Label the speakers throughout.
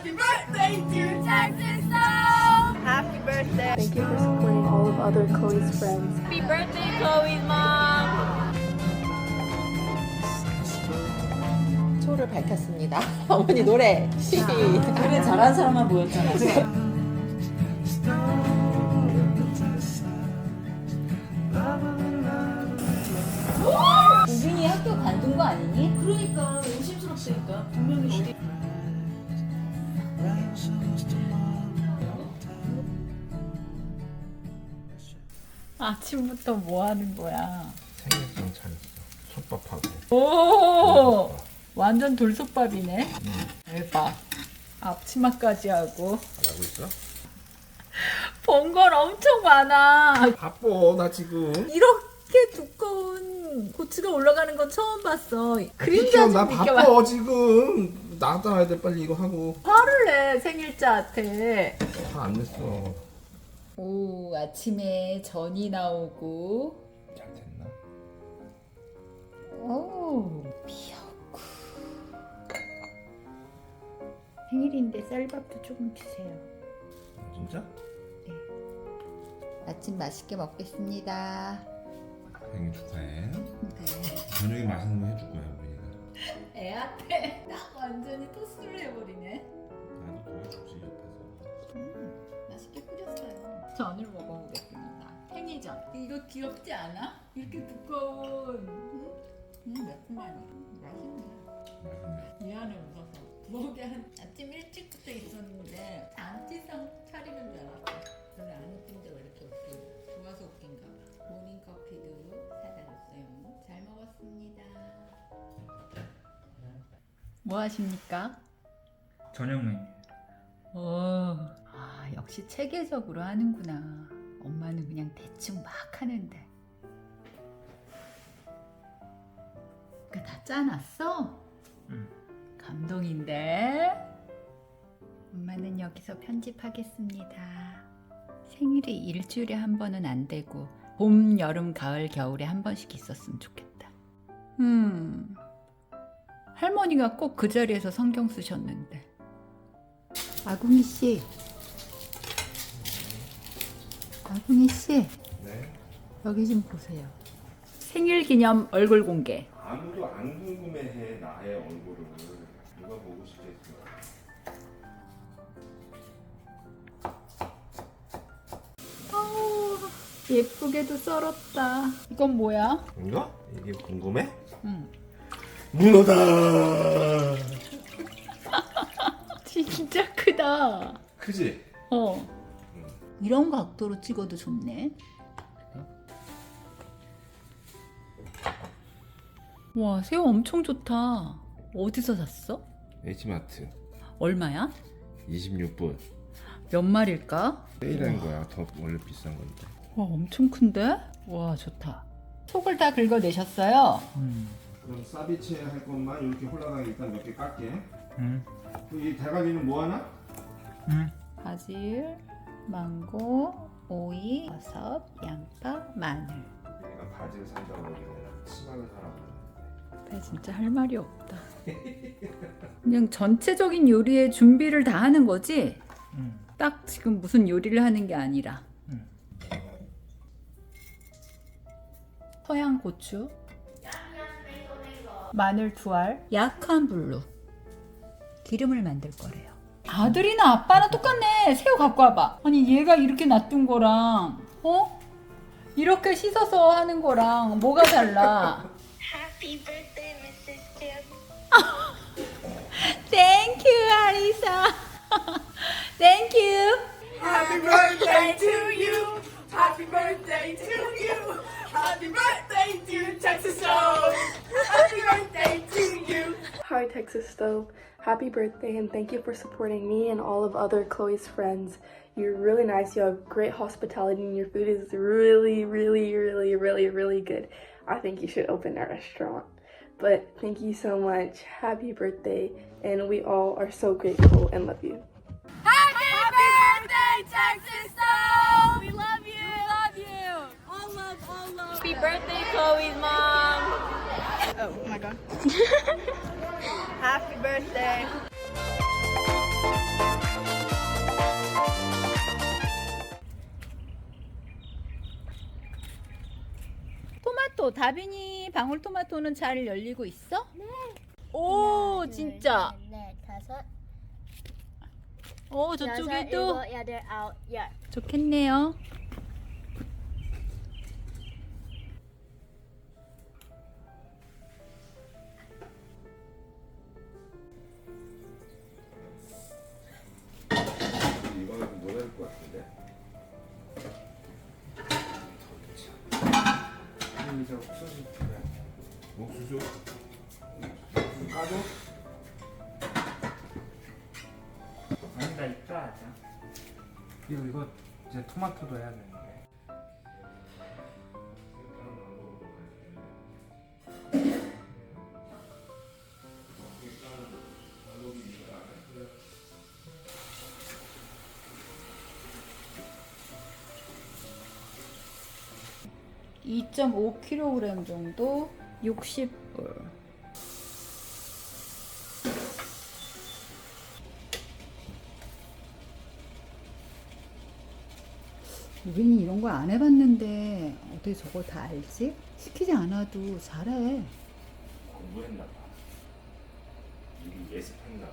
Speaker 1: Happy birthday to Texas Stone! Happy birthday!
Speaker 2: Thank you for supporting all of other Chloe's friends.
Speaker 1: Happy birthday, Chloe's mom!
Speaker 3: 초를 밝혔습니다. 어머니 노래 시작.
Speaker 4: 노래 잘하는 사람만 모였잖아. 우빈이 학교 관둔 거 아니니?
Speaker 1: 그러니까 의심스럽다니까 분명히 어디
Speaker 4: 아침부터 뭐 하는 거야?
Speaker 5: 생일상 차렸어. 솥밥하고.
Speaker 4: 오! 완전 돌솥밥이네. 대박. 앞치마까지 하고.
Speaker 5: 잘하고 있어?
Speaker 4: 본 건 엄청 많아.
Speaker 5: 바빠 나 지금.
Speaker 4: 이렇게 두꺼운 고추가 올라가는 건 처음 봤어. 그림자
Speaker 5: 나
Speaker 4: 좀 비켜봐.
Speaker 5: 바빠 지금. 나가야 돼 빨리 이거 하고.
Speaker 4: 화를 내 생일자한테.
Speaker 5: 화 안 냈어.
Speaker 4: 오, 아침에 전이 나오고.
Speaker 5: 잘 됐나?
Speaker 4: 오, 미역국. 생일인데 쌀밥도 조금 주세요.
Speaker 5: 진짜?
Speaker 4: 아침 맛있게 먹겠습니다.
Speaker 5: 생일 축하해. 저녁에 맛있는 거 해줄 거야 우리가.
Speaker 4: 애한테 딱 완전히 토스를 해버리네.
Speaker 5: 나도 도와주지 옆에서.
Speaker 4: 맛있게 끓였어요. 전을 먹어보겠습니다. 팽이전. 이거 귀엽지 않아? 이렇게 두꺼운. 매콤하니. 맛있네.
Speaker 5: 맛있네.
Speaker 4: 미안해 웃어서. 부엌에 아침 일찍부터 있었는데 안티상 차리는 줄 알았어. 원래 안 웃긴데 왜 이렇게 웃기냐. 좋아서 웃긴가 봐. 모닝커피도 사다 줬어요. 잘 먹었습니다. 뭐 하십니까?
Speaker 6: 저녁 메뉴.
Speaker 4: 아, 역시 체계적으로 하는구나. 엄마는 그냥 대충 막 하는데. 그거 다 짜놨어?
Speaker 6: 응.
Speaker 4: 감동인데? 엄마는 여기서 편집하겠습니다. 생일이 일주일에 한 번은 안 되고 봄, 여름, 가을, 겨울에 한 번씩 있었으면 좋겠다. 할머니가 꼭 그 자리에서 성경 쓰셨는데. 아궁이 씨. 아궁이 씨.
Speaker 5: 네.
Speaker 4: 여기 좀 보세요. 생일 기념 얼굴 공개.
Speaker 5: 아무도 안 궁금해해 나의 얼굴을. 누가 보고 싶겠어.
Speaker 4: 예쁘게도 썰었다. 이건 뭐야?
Speaker 5: 이거? 이게 궁금해?
Speaker 4: 응.
Speaker 5: 문어다.
Speaker 4: 진짜 크다.
Speaker 5: 크지?
Speaker 4: 이런 각도로 찍어도 좋네. 와, 새우 엄청 좋다. 어디서 샀어?
Speaker 5: H마트
Speaker 4: 얼마야?
Speaker 5: 26분.
Speaker 4: 몇 마리일까?
Speaker 5: 세일한 거야. 더 원래 비싼 건데.
Speaker 4: 와, 엄청 큰데? 와, 좋다. 속을 다 긁어내셨어요?
Speaker 5: 그럼 사비체 할 것만 이렇게 홀라당 일단 몇 개 깎게.
Speaker 6: 응.
Speaker 5: 이 대가리는 뭐 하나?
Speaker 6: 응.
Speaker 4: 바질, 망고, 오이, 버섯, 양파, 마늘.
Speaker 5: 내가 바지를 산다고 그러길래 치마를 사라고 그랬는데.
Speaker 4: 나 진짜 할 말이 없다. 그냥 전체적인 요리에 준비를 다 하는 거지?
Speaker 6: 응.
Speaker 4: 딱 지금 무슨 요리를 하는 게 아니라.
Speaker 6: 응.
Speaker 4: 서양 고추, 마늘 2알, 약한 불로 기름을 만들 거래요. 아들이나 아빠랑 똑같네. 새우 갖고 와봐. 아니 얘가 이렇게 놔둔 거랑 이렇게 씻어서 하는 거랑 뭐가 달라?
Speaker 7: Happy birthday, Mrs. Jim.
Speaker 4: Thank you, Arisa. Thank you.
Speaker 1: Happy birthday to you! Happy birthday to you! Happy birthday to Texas Stone! Happy birthday to you!
Speaker 2: Hi, Texas Stove. Happy birthday and thank you for supporting me and all of other Chloe's friends. You're really nice. You have great hospitality and your food is really, really, really, really, really good. I think you should open a restaurant. But thank you so much. Happy birthday. And we all are so grateful and love you.
Speaker 1: Happy birthday, Texas Stone! We love you! Love you! All love, all love. Happy birthday, Chloe's mom!
Speaker 2: Oh my god.
Speaker 1: Happy birthday!
Speaker 4: 방울토마토. 다빈이 방울토마토는 잘 열리고 있어? 네. 오 진짜.
Speaker 7: 네, 다섯,
Speaker 4: 오
Speaker 7: 여섯,
Speaker 4: 저쪽에도
Speaker 7: 일곱, 여덟, 아홉, 열.
Speaker 4: 좋겠네요.
Speaker 5: 이거는 모자랄 것 같은데. 이제 옥수수 그래. 옥수수 까줘?
Speaker 6: 아니다 이따 하자. 그리고 이거 이제 토마토도 해야 되는데.
Speaker 4: (2.5kg) 정도 60불. 우빈이 이런 거 안 해봤는데 어떻게 저걸 다 알지? 시키지 않아도 잘해.
Speaker 5: 공부했나 봐. 미리 예습했나 봐.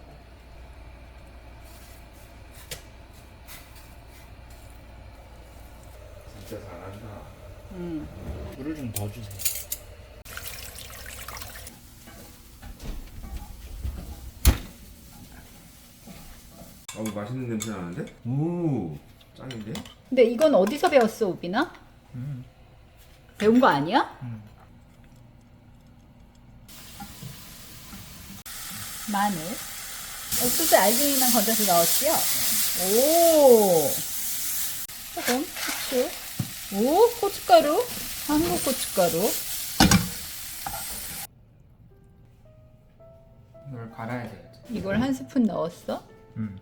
Speaker 5: 진짜 잘한다.
Speaker 6: 물을 좀 더 주세요.
Speaker 5: 맛있는 냄새 나는데? 오, 짱인데?
Speaker 4: 근데 이건 어디서 배웠어, 우빈아? 배운 거 아니야? 마늘. 옥수수 알갱이만 건져서 넣었지요? 오. 조금 후추. 오, 고춧가루. 한국 고춧가루.
Speaker 6: 이걸 갈아야 돼야지.
Speaker 4: 이걸 한 스푼 넣었어.
Speaker 6: 음.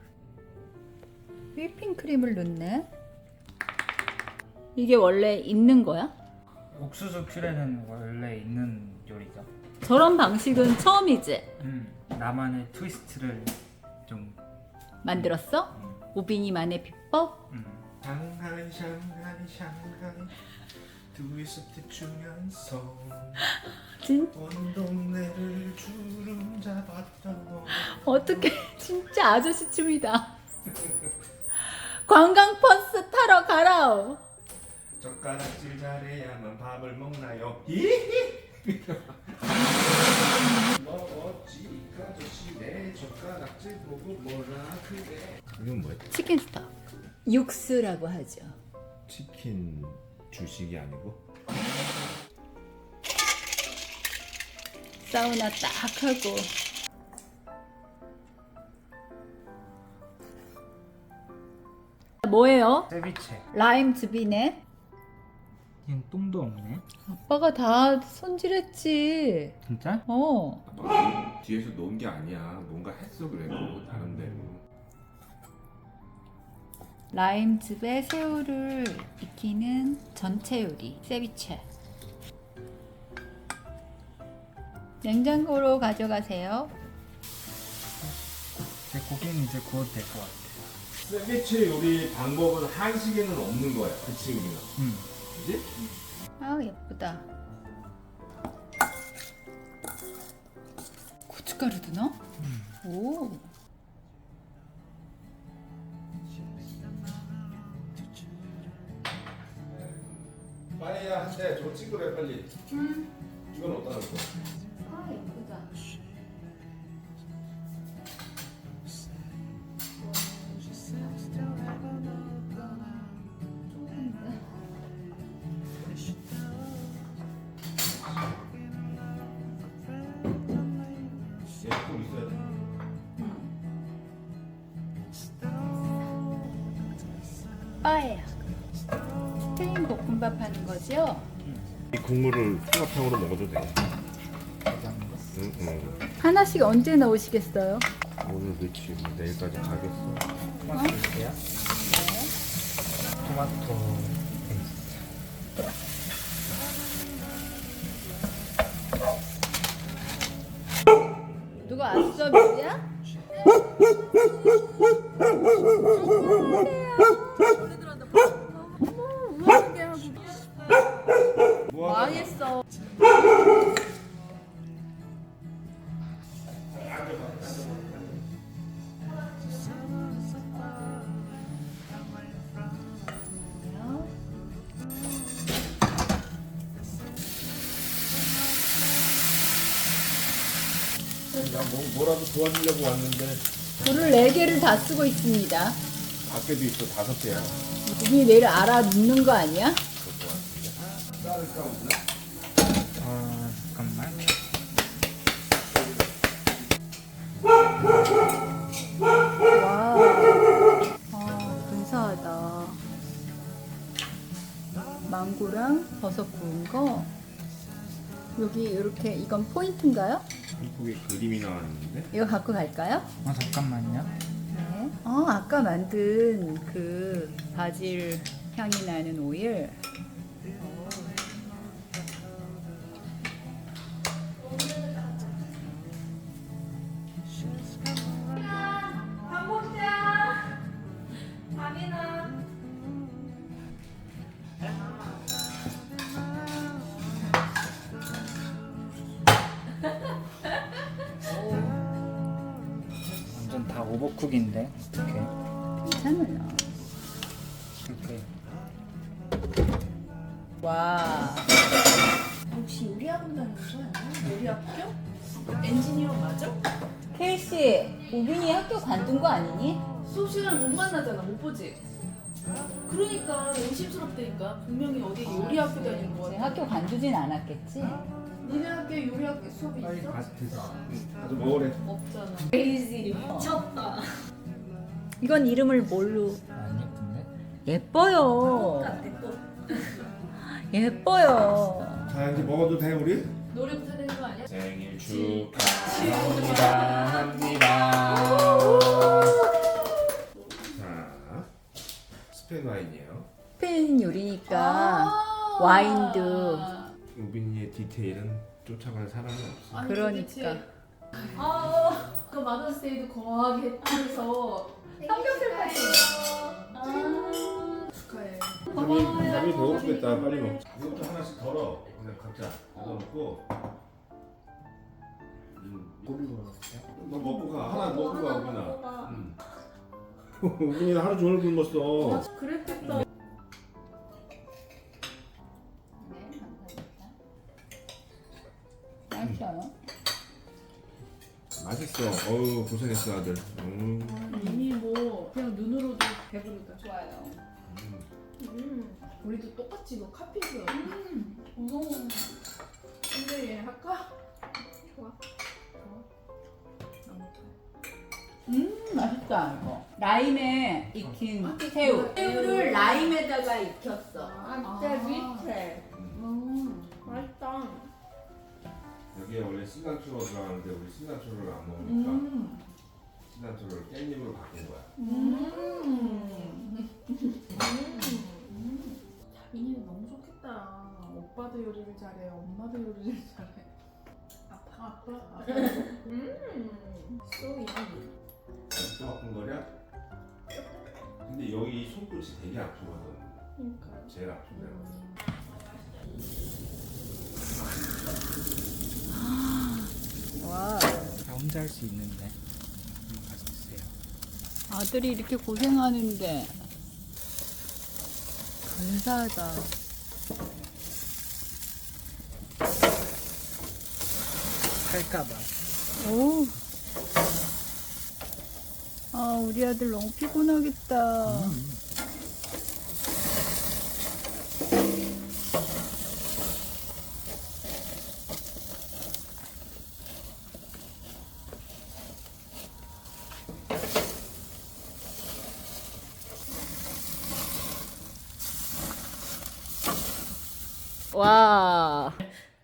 Speaker 4: 휘핑크림을 넣네. 이게 원래 있는 거야?
Speaker 6: 옥수수 퓨레는 원래 있는 요리죠.
Speaker 4: 저런 방식은 처음이지?
Speaker 6: 나만의 트위스트를 좀.
Speaker 4: 만들었어? 우빈이만의 비법?
Speaker 5: 샹하이 샹하이 샹하이 트위스트 추면서
Speaker 4: 진
Speaker 5: 온 동네를 주름 잡았던 너.
Speaker 4: 어떻게 진짜 아저씨 춤이다. 관광 버스 타러 가라.
Speaker 5: 젓가락질 잘해야만 밥을 먹나요? 히히. 먹었지 그 아저씨 내 젓가락질 보고 뭐라 그래. 이건 뭐야?
Speaker 4: 치킨 스톡. 육수라고 하죠.
Speaker 5: 치킨 주식이 아니고?
Speaker 4: 사우나 딱 하고. 뭐예요?
Speaker 6: 세비체.
Speaker 4: 라임 즙이네.
Speaker 6: 얘는 똥도 없네.
Speaker 4: 아빠가 다 손질했지.
Speaker 6: 진짜?
Speaker 4: 어.
Speaker 5: 너 뒤에서 놓은 게 아니야. 뭔가 했어 그래도 다른데로.
Speaker 4: 라임즙에 새우를 익히는 전체 요리 세비체. 냉장고로 가져가세요.
Speaker 6: 제 고기는 이제 구워도 될 것 같아.
Speaker 5: 세비체 요리 방법은 한식에는 없는 거야. 그치 우리가? 그지?
Speaker 4: 아 예쁘다. 고춧가루도 넣어? 오.
Speaker 5: 빨리야 한대 저거 찍으래 빨리. 이건 어디다 놓을 거야?
Speaker 4: 아 예쁘다.
Speaker 5: 얘꼭 있어야 돼.
Speaker 4: 빠에요. 스페인 볶음밥 하는 거죠?
Speaker 5: 이 국물을 통합형으로 먹어도 돼.
Speaker 4: 하나씩 언제 넣으시겠어요?
Speaker 5: 오늘 넣지 내일까지 가겠어.
Speaker 6: 토마토 주세요. 토마토 페이스트.
Speaker 4: 누가 왔어, 미지야?
Speaker 5: 뭐
Speaker 4: 망했어.
Speaker 5: 뭐라도 도와주려고 왔는데
Speaker 4: 불을 4개를 다 쓰고 있습니다.
Speaker 5: 밖에도 있어 5개야.
Speaker 4: 우빈이 내일 알아 눕는 거 아니야?
Speaker 5: 쌀을 까먹나?
Speaker 6: 잠깐만.
Speaker 4: 와, 근사하다. 망고랑 버섯 구운 거. 여기 이렇게 이건 포인트인가요?
Speaker 5: 한국에 그림이 나왔는데
Speaker 4: 이거 갖고 갈까요?
Speaker 6: 잠깐만요.
Speaker 4: 네. 아까 만든 그 바질 향이 나는 오일.
Speaker 2: 밥 먹자. 밤이나.
Speaker 6: 완전 다 오버쿡인데 어떻게?
Speaker 4: 괜찮아요.
Speaker 6: 이렇게
Speaker 4: 와.
Speaker 2: 혹시 요리학원 다니는 거 아니야? 요리학교? 엔지니어 맞아?
Speaker 4: 케이씨, 우빈이 학교 관둔 거 아니니?
Speaker 2: 수업 시간에 못 만나잖아. 못 보지? 그러니까 의심스럽다니까. 분명히 어디 요리학교 다니는 거
Speaker 4: 제
Speaker 2: 같아.
Speaker 4: 학교 관두진 않았겠지?
Speaker 2: 니네 학교에 요리학교 수업이
Speaker 6: 빨리
Speaker 2: 있어?
Speaker 5: 가서 먹으래.
Speaker 2: 없잖아.
Speaker 4: 이건 이름을 뭘로?
Speaker 6: 안 예쁜데?
Speaker 4: 예뻐요. 예뻐요.
Speaker 5: 자 이제 먹어도 돼 우리?
Speaker 2: 노래부터 되는 거 아니야?
Speaker 5: 생일 축하합니다. 자 스페인 와인이에요.
Speaker 4: 스페인 요리니까 와인도.
Speaker 5: 우빈이의 디테일은 쫓아갈 사람이 없어.
Speaker 2: 아니,
Speaker 4: 그러니까.
Speaker 2: 도대체. 그 마더스데이도 거하게 해서 삼겹살 파티. 축하해.
Speaker 5: 밥이 배고프겠다. 빨리 먹자. 이것도 하나씩 덜어. 그냥 각자 덜어놓고.
Speaker 6: 고기 먹었어요?
Speaker 5: 너 먹고 가. 하나 먹고 가 우빈아. 응. 우빈이는 하루 종일 굶었어.
Speaker 2: 그랬겠다.
Speaker 4: 네, 감사합니다. 맛있어요.
Speaker 5: 맛있어. 어우 고생했어 아들.
Speaker 2: 이미 뭐 그냥 눈으로도 배부르다.
Speaker 4: 좋아요.
Speaker 2: 우리도 똑같이 이거 카피고요. 근데 얘 할까? 좋아.
Speaker 4: 맛있다 이거. 라임에 익힌 새우. 새우를 라임에다가 익혔어.
Speaker 2: 진짜 밑에. 맛있다.
Speaker 5: 여기에 원래 신간초로 들어가는데 우리 신간초를 안 먹으니까 신간초를 깻잎으로 바꾼 거야.
Speaker 2: 자빈이는 너무 좋겠다. 오빠도 요리를 잘해. 엄마도 요리를 잘해. 아빠. So yummy.
Speaker 5: 또 아픈 거냐? 근데 여기 손끝이 되게 아프거든.
Speaker 2: 그러니까.
Speaker 5: 제일 아픈 데가.
Speaker 4: 와.
Speaker 6: 다 혼자 할 수 있는데 가서 드세요.
Speaker 4: 아들이 이렇게 고생하는데 감사하다.
Speaker 6: 할까봐.
Speaker 4: 오. 아, 우리 아들 너무 피곤하겠다. 와.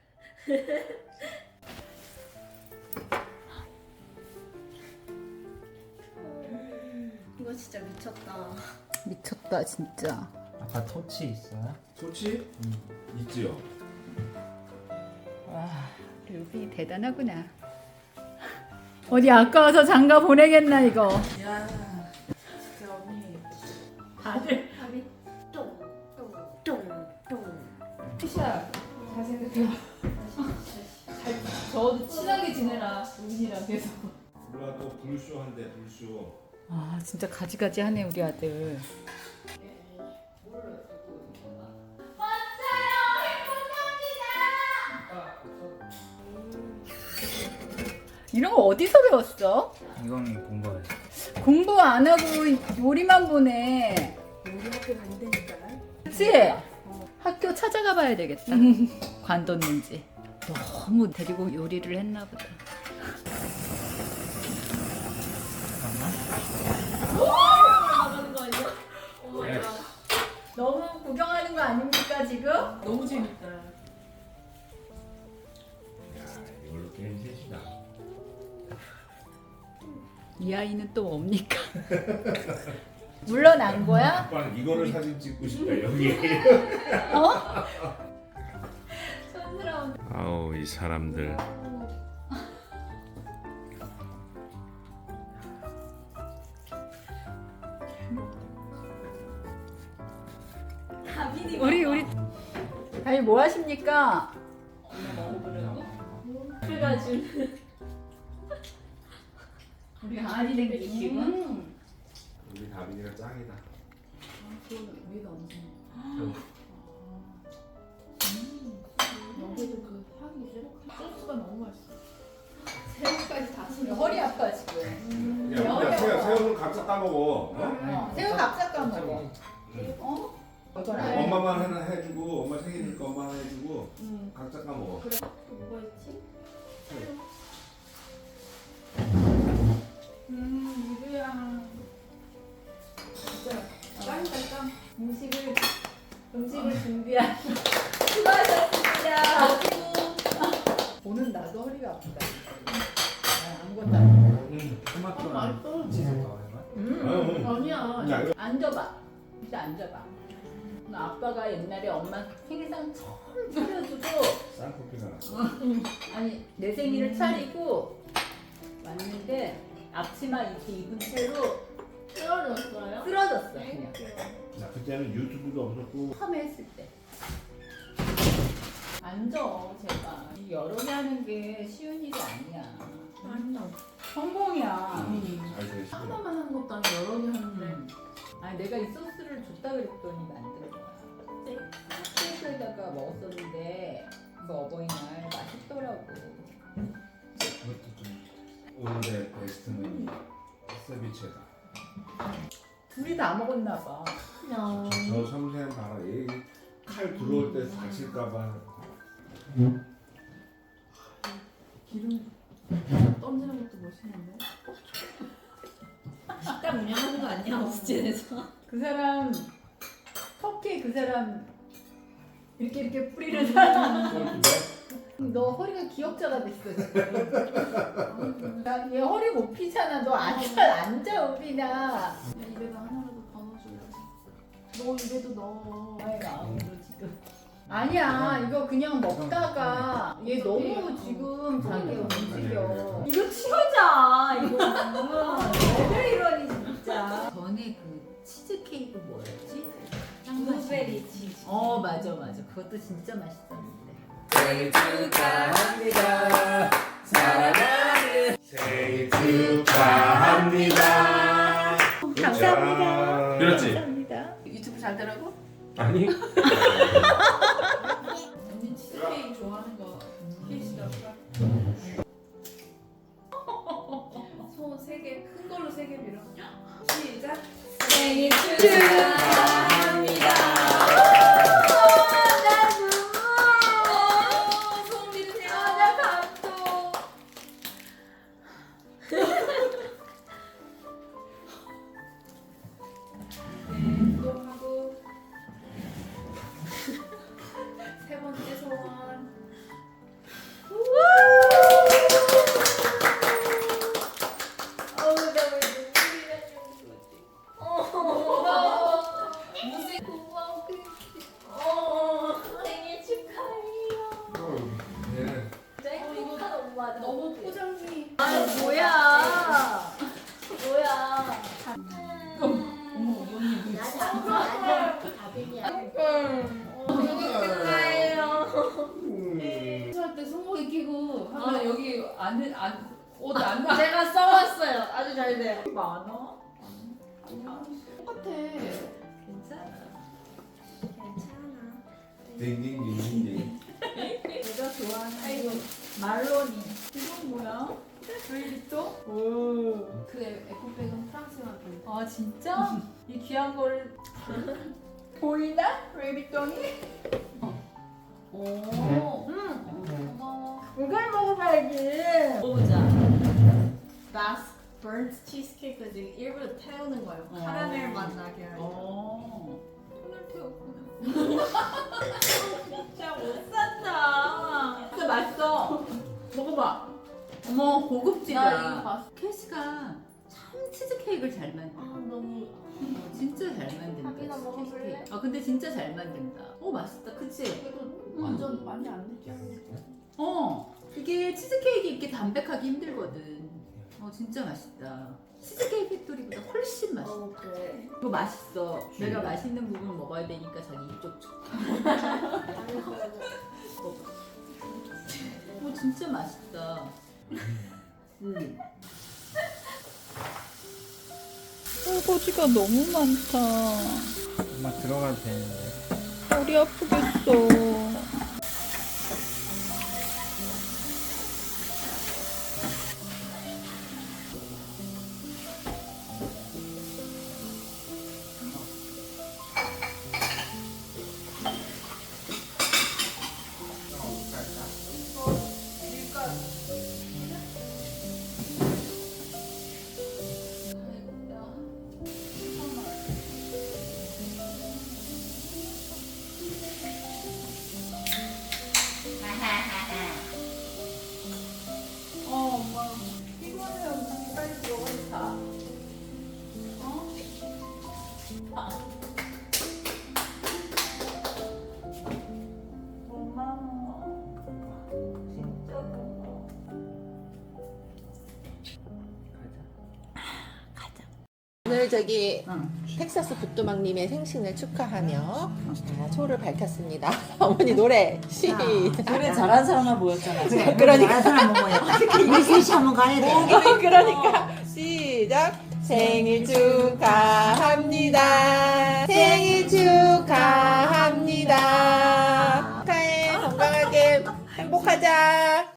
Speaker 7: 이거 진짜 미쳤다.
Speaker 4: 미쳤다 진짜.
Speaker 6: 아까 토치 있어요?
Speaker 5: 좋지? 있지요.
Speaker 4: 와, 루비 대단하구나. 어디 아까워서 장가 보내겠나 이거.
Speaker 2: 야, 진짜 언니.
Speaker 4: 다들
Speaker 7: 밥이 똥똥똥똥.
Speaker 2: 피샤, 잘 생각해봐. 저도 친하게 지내라. 우빈이랑 계속.
Speaker 5: 몰라도 불쇼 한대 불쇼.
Speaker 4: 아 진짜 가지가지 하네 우리 아들. 이런 거 어디서 배웠어?
Speaker 6: 이거는 공부해.
Speaker 4: 공부 안 하고 요리만 보네.
Speaker 2: 우리 학교 다니다니까.
Speaker 4: 그치? 학교 찾아가 봐야 되겠다. 관뒀는지. 너무 데리고 요리를 했나 보다.
Speaker 6: 네.
Speaker 4: 너무 구경하는 거 아닙니까 지금?
Speaker 2: 너무 재밌다.
Speaker 5: 야, 이걸로 게임 셋이다.
Speaker 4: 이 아이는 또 뭡니까? 물러난 거야?
Speaker 5: 아빠는 이거를 사진 찍고 싶다 여기.
Speaker 4: 촌스러운.
Speaker 5: 아우 이 사람들.
Speaker 4: 우리 다이 뭐 하십니까?
Speaker 7: 그래가지고
Speaker 4: 우리 강아지 댕기시고.
Speaker 5: 우리 다빈이가 짱이다.
Speaker 2: 위가 엄청. 여기도 그 향이 소스가 너무 맛있어. 새우까지 다 씹어.
Speaker 4: 허리 아파 지금.
Speaker 5: 야, 우리가 새우는 각자 따먹어. 어?
Speaker 4: 새우 값삭 까먹어. 어? 이건 안 해.
Speaker 5: 엄마만 하나 해주고 엄마 생일이니까 엄마 하나 해주고 각자 까먹어.
Speaker 7: 뭐가 있지?
Speaker 2: 이거야. 진짜 짱이다 짱.
Speaker 4: 음식을 준비한 수고하셨습니다. 보는 나도 허리가 아프다. 아무것도 안 해.
Speaker 6: 토마토랑
Speaker 2: 맛있어.
Speaker 6: 치즈 더 해봐.
Speaker 2: 아니야.
Speaker 5: 야, 이거
Speaker 4: 앉아봐. 진짜 앉아봐. 나 아빠가 옛날에 엄마 생일상 처음 차려주고
Speaker 5: 쌍커피가 났어.
Speaker 4: 아니 내 생일을 차리고 왔는데 앞치마 이렇게 입은 채로
Speaker 7: 떨어졌어요?
Speaker 4: 쓰러졌어 그냥.
Speaker 5: 나 그때는 유튜브도 없었고
Speaker 4: 처음 했을 때. 앉아 제발. 이 여러 개 하는 게 쉬운 일이 아니야.
Speaker 2: 아니야.
Speaker 4: 성공이야.
Speaker 5: 잘 되시고.
Speaker 2: 하나만 하는 것도 아니고 여러 개 하는데.
Speaker 4: 아니 내가 이 소스를 줬다 그랬더니 만든 거야. 케이크에다가 먹었었는데 그 어버이날 맛있더라고.
Speaker 5: 그것도 좀 오늘의 베스트는 세비체다.
Speaker 4: 둘이 다 먹었나 봐.
Speaker 7: 그냥
Speaker 5: 저 섬세한 바람, 칼 들어올 때 다칠까봐.
Speaker 2: 기름 던지는 것도 멋있는데.
Speaker 7: 식당 운영하는 거 아니야? 오스틴에서?
Speaker 4: 그 사람 터키 그 사람 이렇게 뿌리는 사람. 너 허리가 기억자가 됐어 지금. 얘 허리 못 피잖아. 너 앉아 우빈아.
Speaker 2: 야, 입에다 하나라도 더 넣어줘야지. 너 입에도 넣어.
Speaker 4: 나의 마음으로 지금. 아니야 이거 그냥 먹다가 얘 너무 지금 자기 움직여. 이거 치우자 이거. 왜 이러니 진짜. 전에 그 치즈 케이크 뭐였지?
Speaker 7: 블루베리 치즈.
Speaker 4: 어 맞아 그것도 진짜 맛있었는데.
Speaker 5: 생일 축하합니다. 사랑하는 생일 축하합니다. 감사합니다. 그렇지?
Speaker 4: 감사합니다.
Speaker 2: 유튜브 잘 되라고?
Speaker 5: 아니.
Speaker 2: 언니 치즈케이크 좋아하는 거 케이크라고. 손 3개, 큰 걸로 3개 밀어. 시작.
Speaker 7: 생일 축하합니다.
Speaker 2: 손 밀으세요.
Speaker 4: 나 감동.
Speaker 2: 운동하고 세 번째 소원.
Speaker 7: 어우 나왜 눈물이 나냐고. 고마워. 무슨 고마워. 생일 축하해요.
Speaker 5: 얘는
Speaker 7: 행복한 엄마다.
Speaker 2: 너무 포장이.
Speaker 7: 아 뭐야? 뭐야?
Speaker 2: 어머 이 언니
Speaker 7: 나도 다빈이야. 되게 축하해요.
Speaker 2: 할때 손목에 끼고 하면 여기 옷안 나.
Speaker 7: 제가 써왔어요. 아주 잘 돼요.
Speaker 4: 많아?
Speaker 2: 똑같아.
Speaker 4: 괜찮아.
Speaker 7: 괜찮아.
Speaker 5: 딩딩딩딩딩.
Speaker 4: 내가 좋아하는 말로니.
Speaker 2: 이건 뭐야?
Speaker 4: 루이비통?
Speaker 2: 오. 그 에코백은 프랑스만 좀.
Speaker 4: 아 진짜? 이 귀한 거를 보이나? 루이비통이?
Speaker 7: 오. 고마워.
Speaker 4: 이걸 먹어봐야지.
Speaker 7: 먹어보자. 바스 버nt 치즈케이크 지금 일부러 태우는 거예요. 카라멜 맛 나게 하려고.
Speaker 4: 손을 태웠구나. 진짜 못 산다. 진짜 맛있어. 먹어봐. 어머 고급지다.
Speaker 2: 나 이거 봤어.
Speaker 4: 캐시가 참 치즈케이크를 잘 만든다.
Speaker 7: 너무
Speaker 4: 진짜 잘 만든다.
Speaker 7: 밥이나 먹어볼래?
Speaker 4: 치즈케이크. 아 근데 진짜 잘 만든다. 오 맛있다. 그치?
Speaker 2: 완전 많이 안 느끼하네.
Speaker 4: 이게 치즈케이크 이렇게 담백하기 힘들거든. 진짜 맛있다. 치즈케이크 팩토리보다 훨씬 맛있어.
Speaker 2: 그래.
Speaker 4: 이거 맛있어. 내가 맛있는 부분 먹어야 되니까 자기 이쪽 줘. 진짜 맛있다. 설거지가 너무 많다.
Speaker 6: 엄마 들어가도 되는데.
Speaker 4: 머리 아프겠어. 엄마 피곤해. 언니 빨리 들어가서 자. 고마워. 진짜 고마워.
Speaker 3: 오늘 저기
Speaker 4: 응.
Speaker 3: 텍사스 부뚜막님의 생신을 축하하며 초를 밝혔습니다. 어머니 노래 시작.
Speaker 8: 노래 잘하는 사람만 모였잖아. 그래,
Speaker 3: 그러니까.
Speaker 8: 잘하는 사람만 모였다. 우리 셋이 한번 가야 돼.
Speaker 3: 그러니까 시작. 생일 축하합니다. 생일 축하합니다. 축하해. 건강하게 행복하자.